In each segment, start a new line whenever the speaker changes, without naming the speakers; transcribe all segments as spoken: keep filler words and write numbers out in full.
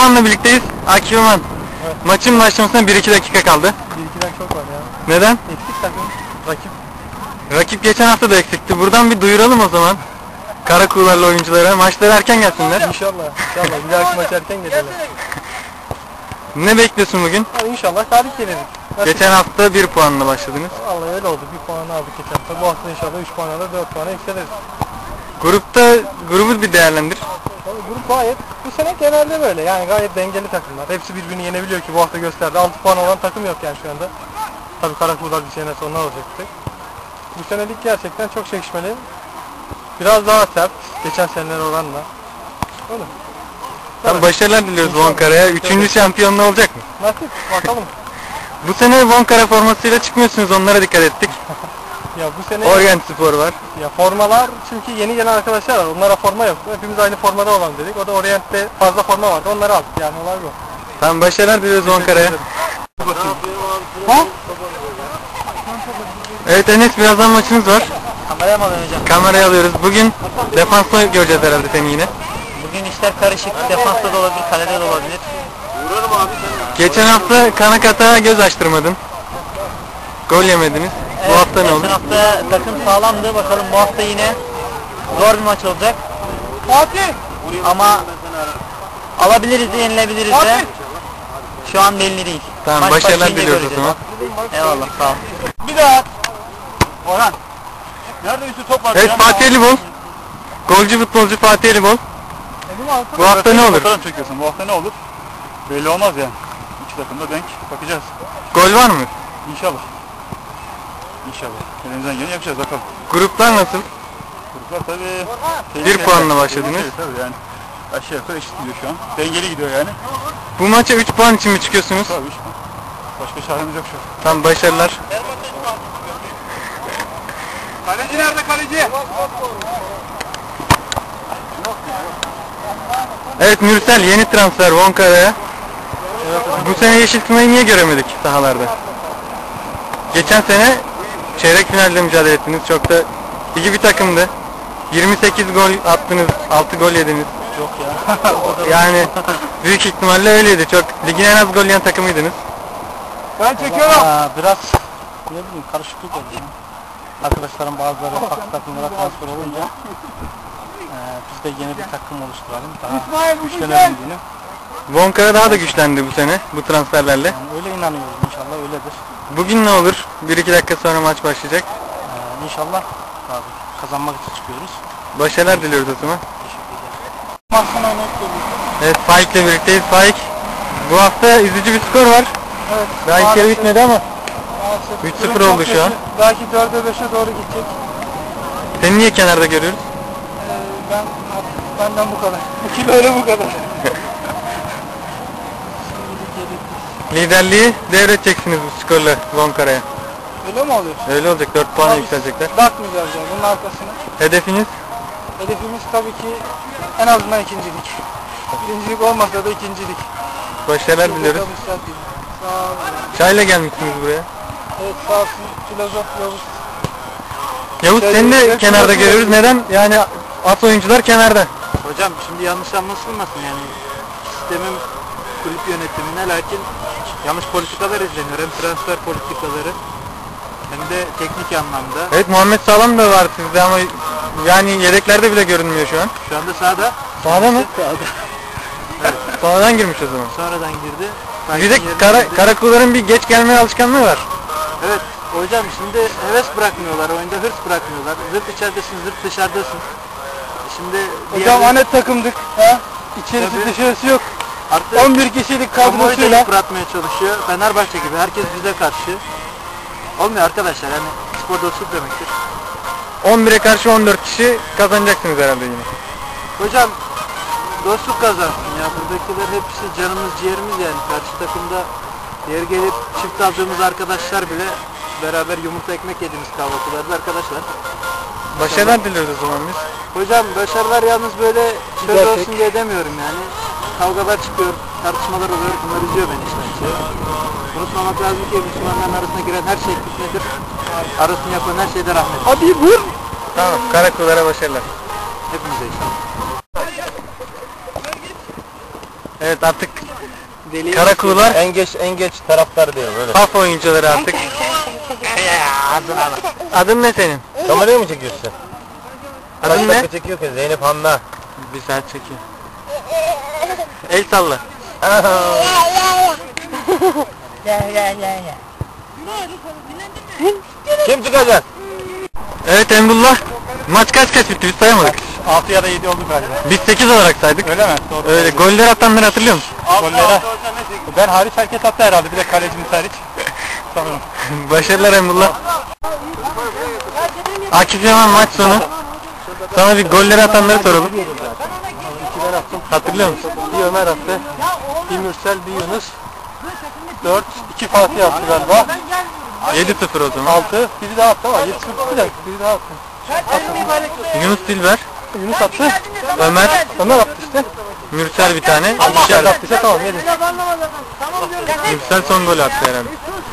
Adıyaman'la birlikteyiz. Akif Yaman. Evet. Maçın başlamasına bir iki dakika kaldı.
bir ikiden çok var ya.
Neden?
Eksik takım. Rakip.
Rakip geçen hafta da eksikti. Buradan bir duyuralım o zaman. Karakuğularlı oyunculara. Maçları erken gelsinler.
İnşallah. İnşallah. Bir dahaki maç erken gelelim.
Ne bekliyorsun bugün?
Yani inşallah galip geliriz. Nasıl?
Geçen hafta bir puanla başladınız.
Vallahi öyle oldu. Bir puan aldık geçen hafta. Bu hafta inşallah üç puan alır, dört puana yükseliriz.
Grupta grubu bir değerlendir.
Vallahi grup gayet, bu sene genelde böyle. Yani gayet dengeli takımlar. Hepsi birbirini yenebiliyor ki bu hafta gösterdi. altı puan olan takım yok yani şu anda. Tabii Karakuğular bir sene sonra olacaktı. Bu senelik gerçekten çok çekişmeli. Biraz daha sert. Geçen seneler oranla. Öyle.
Tam başarılar diliyoruz Vonkara'ya. Üçüncü şampiyonluğu olacak mı?
Nasip bakalım.
Bu sene Vonkara formasıyla çıkmıyorsunuz, onlara dikkat ettik.
Ya bu sene
Orient Spor var.
Ya formalar, çünkü yeni gelen arkadaşlar var. Onlara forma yoktu. Hepimiz aynı formada olalım dedik. O da Orient'te fazla forma vardı. Onları aldık. Yani olay bu.
Tam başarılar diliyoruz Vonkara'ya.
Ha?
Evet Enes, birazdan maçınız var.
Kameraya mı alacağım?
Kameraya alıyoruz. Bugün defansta göreceğiz herhalde seni yine.
Bugün işler karışık. Defansta da olabilir, kalede de olabilir. Vuralım abi.
Geçen hafta Kanakat'a göz açtırmadın. Gol yemediniz.
Evet,
bu hafta ne olur?
Geçen hafta takım sağlamdı. Bakalım bu hafta yine zor bir maç olacak.
Fatih!
Ama alabiliriz de yenilebiliriz de. Şu an belli değil.
Tamam,
Maç
başarılar
başlayınca
diliyoruz o
göreceğiz.
zaman.
Eyvallah, sağ ol.
Bir daha! Orhan! Nerede üstü top var?
Evet, Fatih Elibol. Golcü futbolcu Fatih Elibol. Bu hafta ne olur?
Fotoğraf çekiyorsun. Bu hafta ne olur? Belli olmaz yani. İki takımda denk. Bakacağız.
Gol var mı?
İnşallah. İnşallah. Elimizden geleni yapacağız bakalım.
Gruplar nasıl?
Gruplar tabii...
Bir puanla başladınız.
Tehlikeli tabii yani. Aşağı yukarı eşit gidiyor şu an. Dengeli gidiyor yani.
Bu maça üç puan için mi çıkıyorsunuz?
Tabii üç puan. Başka çaremiz yok şu an.
Tam başarılar.
Kaleci nerede kaleci?
Evet Mürsel, yeni transfer Vonkara'ya. Bu sene Yeşil Kına'yı niye göremedik sahalarda? Geçen sene çeyrek finalde mücadele ettiniz. Çok da iyi bir takımdı. yirmi sekiz gol attınız, altı gol yediniz.
Yok ya.
Yani büyük ihtimalle öyleydi. Çok ligin en az gol yiyen takımıydınız.
Ben çekiyorum. Aa, biraz ne bileyim karışıklık oldu ya. Arkadaşlarım bazıları farklı takımlara transfer olunca e, biz de yeni bir takım oluşturalım. Daha güçlenelim diye.
Vonkara daha da güçlendi bu sene bu transferlerle.
Yani öyle inanıyoruz, inşallah öyledir.
Bugün ne olur? bir iki dakika sonra maç başlayacak.
Ee, inşallah abi, kazanmak için çıkıyoruz.
Başarılar diliyoruz o zaman.
Mahsuna net geliyor.
Evet, Faik'le birlikteyiz. Faik, bu hafta üzücü bir skor var.
Evet.
Daha ilk yarı bitmedi ama
Maalesef.
üç sıfır
Durum
oldu
çok
şu an.
kötü. Belki dörde beşe doğru gidecek.
seni niye kenarda görüyoruz?
Ee, ben benden bu kadar. Bu kilo öyle bu kadar.
Liderliği devredeceksiniz bu skorla Vonkara'ya.
Öyle mi oluyor?
Öyle olacak, dört puana
Ama biz
yükselecekler.
bakmayacağız yani bunun arkasına.
Hedefiniz?
Hedefimiz tabii ki en azından ikincilik. Birincilik olmasa da ikincilik.
Başarılar diliyoruz.
Sağ olun.
Çayla gelmişsiniz buraya.
Evet, sağ olsun. Filozof Yavuz.
Yavuz,
Şöyle
seni de
bir-
kenarda görüyoruz. Neden? Yani at oyuncular kenarda.
Hocam şimdi yanlış anlaşılmasın yani. Sistemin kulüp yönetimine lakin yanlış politikalar izleniyor. Hem transfer politikaları hem de teknik anlamda.
Evet, Muhammed Sağlam da var sizde ama yani yedeklerde bile görünmüyor şu an.
Şu anda sahada.
Sağda mı?
Sahada.
Sonradan girmiş o zaman.
Sonradan girdi.
Bir de kara, karakulların bir geç gelmeye alışkanlığı var.
Evet hocam, şimdi heves bırakmıyorlar, oyunda hırs bırakmıyorlar. Zırt içeridesin, zırt dışarıdasın. Şimdi
Hocam anet takımdık. Ha? İçerisi
Tabii.
dışarısı yok.
artık
on bir kişilik
kamuoyu da
kadrosuyla.
yıpratmaya çalışıyor. Fenerbahçe gibi herkes bize karşı. Olmuyor arkadaşlar, yani spor dostluk demektir.
on bire karşı on dört kişi kazanacaksınız herhalde yine.
Hocam dostluk kazansın ya, buradakiler hepsi canımız ciğerimiz yani. Karşı takımda yer gelip çift aldığımız arkadaşlar bile beraber yumurta ekmek yediğimiz kahvaltılarda arkadaşlar.
Başarılar diliyoruz o zaman biz.
Hocam başarılar yalnız böyle söz
Güzel,
olsun
pek.
diye demiyorum yani. Kavgalar çıkıyor, tartışmalar oluyor, bunlar üzüyor beni işte. Unutmamak lazım ki Müslümanların arasına giren her şey fitnedir. Arasını yapan her şeyde rahmet.
Hadi vur.
Tamam, karakullara başarılar.
Hepimize inşallah.
Evet artık
Deli
Karakuğular
En geç en geç taraftar diyorum öyle.
Haf oyuncuları artık. Adın ne senin?
Kameraya mı çekiyorsun sen?
Adın ne?
Çekiyor ki Zeynep Hanna.
Bir saat çekiyor. El salla.
Kim çıkacak?
Evet Emrullah. Maç kaç kaç bitti biz sayamadık.
altı ya da yedi oldu galiba.
Biz sekiz olarak saydık.
Öyle mi? Doğru.
Öyle goller atanları hatırlıyor musun?
Gollere. Ben hariç herkes attı herhalde. Bir de kalecimiz hariç. Sanırım.
Başarılar Emrullah. Akif Yaman maç sonu. Sana bir golleri atanları soralım.
İki ben attım.
Hatırlıyor musun?
Bir Ömer attı. Bir Mürsel, bir Yunus. Dört, iki Fatih attı galiba.
yedi sıfır o zaman.
Altı, biri daha attı ama yedi sıfır değil. Biri daha attı.
Yunus Dilber,
Yunus attı.
Ömer,
Ömer attı işte.
Mürsel bir tane.
Bir
İkişer.
attıysa tamam yedi.
Mürsel son golü attı herhalde.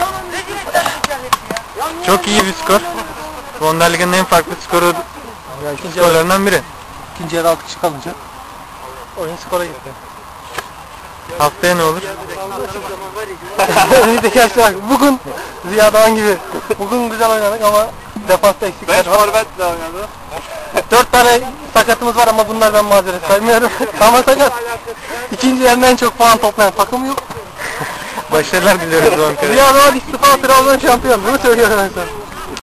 Çok iyi bir skor. Wonder Lig'in en farklı skoru
Ya ikinci yarı,
skorlarından biri.
ikinci yarı altı kişi kalınca oyun skora gitti.
Haftaya ne olur?
Önümüzdeki yaşlar bugün Ziya Doğan gibi. Bugün güzel oynadık ama defansta eksikler var.
forvetle oynadı.
Dört tane sakatımız var ama bunlar ben mazeret saymıyorum. Ama sakat. İkinci yarının en çok puan toplayan takım yok.
Başarılar diliyoruz Ankara'ya.
Ziya Doğan istifa, Trabzon şampiyon. Bunu söylüyorum ben sana.